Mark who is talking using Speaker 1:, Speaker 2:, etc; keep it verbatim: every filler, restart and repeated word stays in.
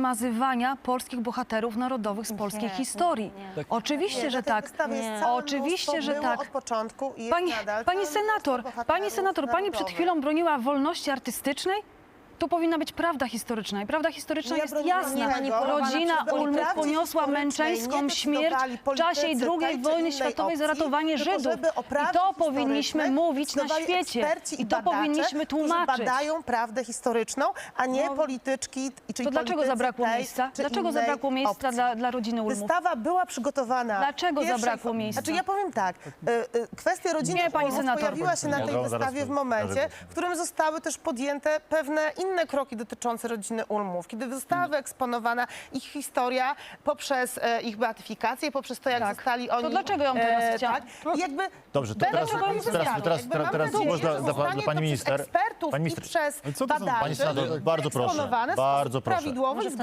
Speaker 1: wymazywania polskich bohaterów narodowych z polskiej
Speaker 2: Nie,
Speaker 1: historii.
Speaker 2: nie, nie.
Speaker 1: Oczywiście,
Speaker 3: Nie,
Speaker 1: że
Speaker 3: na tej
Speaker 1: tak.
Speaker 3: wystawie jest
Speaker 2: Nie.
Speaker 3: całe
Speaker 1: Oczywiście,
Speaker 3: mnóstwo,
Speaker 1: że
Speaker 3: było
Speaker 1: tak.
Speaker 3: od początku i jest
Speaker 1: Pani,
Speaker 3: nadal.
Speaker 1: pani
Speaker 3: całe
Speaker 1: senator,
Speaker 3: mnóstwo
Speaker 1: pani
Speaker 3: bohaterów
Speaker 1: senator, pani przed
Speaker 3: narodowych.
Speaker 1: chwilą broniła wolności artystycznej? Tu powinna być prawda historyczna i prawda historyczna
Speaker 3: Ja
Speaker 1: jest
Speaker 3: broniłam
Speaker 1: jasna.
Speaker 3: tego,
Speaker 1: Rodzina
Speaker 3: żeby o
Speaker 1: Ulmów
Speaker 3: prawdzie
Speaker 1: poniosła
Speaker 3: historycznej
Speaker 1: męczeńską
Speaker 3: nie
Speaker 1: śmierć
Speaker 3: decydowali
Speaker 1: w czasie
Speaker 3: politycy
Speaker 1: drugiej
Speaker 3: tej czy
Speaker 1: wojny
Speaker 3: innej
Speaker 1: światowej za
Speaker 3: opcji,
Speaker 1: ratowanie
Speaker 3: tylko
Speaker 1: Żydów.
Speaker 3: żeby o
Speaker 1: I
Speaker 3: prawdzie
Speaker 1: to powinniśmy
Speaker 3: historycznej
Speaker 1: mówić na
Speaker 3: decydowali
Speaker 1: świecie.
Speaker 3: eksperci
Speaker 1: I to
Speaker 3: badacze,
Speaker 1: powinniśmy
Speaker 3: którzy
Speaker 1: tłumaczyć.
Speaker 3: badają prawdę historyczną, a nie
Speaker 1: No.
Speaker 3: polityczki, czyli
Speaker 1: To dlaczego
Speaker 3: politycy
Speaker 1: zabrakło
Speaker 3: tej
Speaker 1: miejsca?
Speaker 3: czy
Speaker 1: Dlaczego
Speaker 3: innej
Speaker 1: zabrakło miejsca
Speaker 3: opcji.
Speaker 1: dla, dla rodziny Ulmów?
Speaker 3: Wystawa była przygotowana.
Speaker 1: Dlaczego
Speaker 3: w pierwszej
Speaker 1: zabrakło
Speaker 3: fo-
Speaker 1: miejsca?
Speaker 3: Znaczy ja powiem tak, y, y, kwestia rodziny
Speaker 1: Nie, pani
Speaker 3: Ulmów
Speaker 1: senator.
Speaker 3: pojawiła się na
Speaker 4: Ja
Speaker 3: tej
Speaker 4: zaraz
Speaker 3: wystawie w
Speaker 4: powiem.
Speaker 3: momencie,
Speaker 4: Zaraz
Speaker 3: w którym zostały też podjęte pewne inne kroki dotyczące rodziny Ulmów. Kiedy została wyeksponowana ich historia poprzez e, ich beatyfikację, poprzez to, jak
Speaker 1: Tak.
Speaker 3: zostali
Speaker 1: To
Speaker 3: oni...
Speaker 1: dlaczego ją teraz chciała-
Speaker 3: tak, I jakby
Speaker 4: Dobrze, to
Speaker 3: będą
Speaker 4: teraz-
Speaker 3: robić
Speaker 4: teraz-
Speaker 3: wystawy.
Speaker 4: teraz-
Speaker 3: Jakby mam
Speaker 4: teraz
Speaker 3: nadzieję,
Speaker 4: można
Speaker 3: że
Speaker 4: dla- dla
Speaker 3: zostanie
Speaker 4: pani
Speaker 3: to
Speaker 4: minister-
Speaker 3: przez ekspertów
Speaker 4: pani
Speaker 3: i
Speaker 4: minister-
Speaker 3: przez
Speaker 5: Ale co to za-
Speaker 3: badaczy
Speaker 4: Pani senator, bardzo proszę,
Speaker 3: wyeksponowane w
Speaker 4: bardzo
Speaker 3: sposób
Speaker 4: proszę.
Speaker 3: prawidłowy,
Speaker 2: Może w ten